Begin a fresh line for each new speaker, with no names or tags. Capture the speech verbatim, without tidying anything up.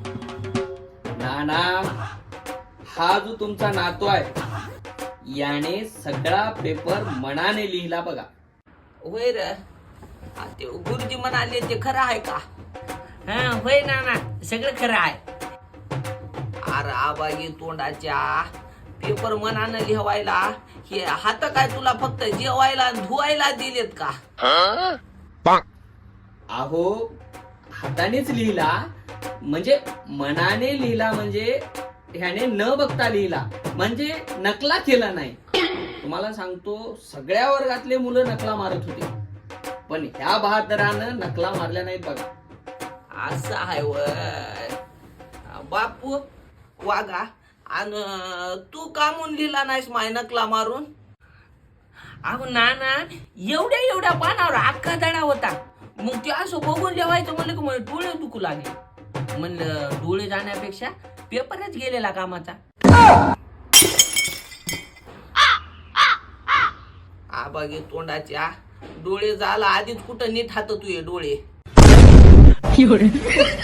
नाना, हा जो तुमचा नातू आहे याने सगळा पेपर मनाने लिहिला बघा.
होय र, हा, ते गुरुजी म्हणाले ते खरं आहे का? हा होय ना ना, सगळं खरं आहे. अरे आबागी तोंडाच्या, पेपर मनानं लिहवायला हे हात काय तुला फक्त जेवायला आणि धुवायला दिलेत का?
अहो, हातानेच लिहिला म्हणजे मनाने लिहिला, म्हणजे ह्याने न बघता लिहिला, म्हणजे नकला केला नाही. तुम्हाला सांगतो, सगळ्या वर्गातले मुलं नकला मारत होते, पण ह्या बहादरानं नकला मारल्या नाहीत बघा.
असं आहे वय बापू वागा. आणि तू का म्हणून लिहिला नाहीस माय नकला मारून? अहो नाना, एवढ्या एवढ्या पानावर अख्खा धडा होता. मग ते असं बघून जेवायचं म्हणलं की मला डोळे दुखू लागले. म्हणलं डोळे जाण्यापेक्षा पेपरच गेलेला कामाचा. आबागे तोंडाच्या, डोळे झाला आधीच कुठं नीट हात तुझे डोळे.